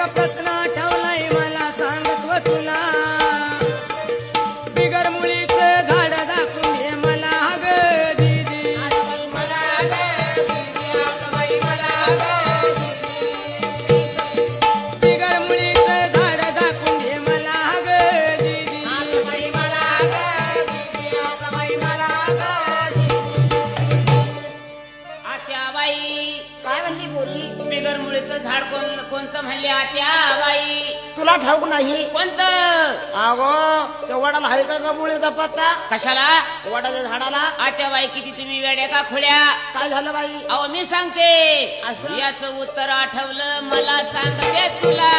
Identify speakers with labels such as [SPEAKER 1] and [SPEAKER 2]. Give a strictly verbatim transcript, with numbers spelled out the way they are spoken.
[SPEAKER 1] प्रश्न आठवलाय मला सांगतो तुला बिगर मुळीचं झाड दाखवून दे मला ग दीदी
[SPEAKER 2] मला ग दीदी आता बाई मला ग दीदी
[SPEAKER 1] बिगर मुळीचं झाड दाखवून दे मला ग दीदी
[SPEAKER 2] आता बाई मला ग दीदी आता बाई मला ग दीदी
[SPEAKER 3] आत्याबाई
[SPEAKER 4] काय म्हणली पोरी
[SPEAKER 3] बिगर मुळीचं झाड कोण कोणतं म्हणले आत्याबाई
[SPEAKER 4] तुला ठाऊक नाही
[SPEAKER 3] कोणतं
[SPEAKER 4] अगो त्या वडाला आहे का ग मुळीचा पत्ता
[SPEAKER 3] कशाला
[SPEAKER 4] वडाच्या झाडाला
[SPEAKER 3] आत्याबाई किती तुम्ही वेड्या का खोड्या
[SPEAKER 4] काय झालं बाई
[SPEAKER 3] अहो मी सांगते
[SPEAKER 4] असं?
[SPEAKER 3] याच उत्तर आठवलं मला सांगते तुला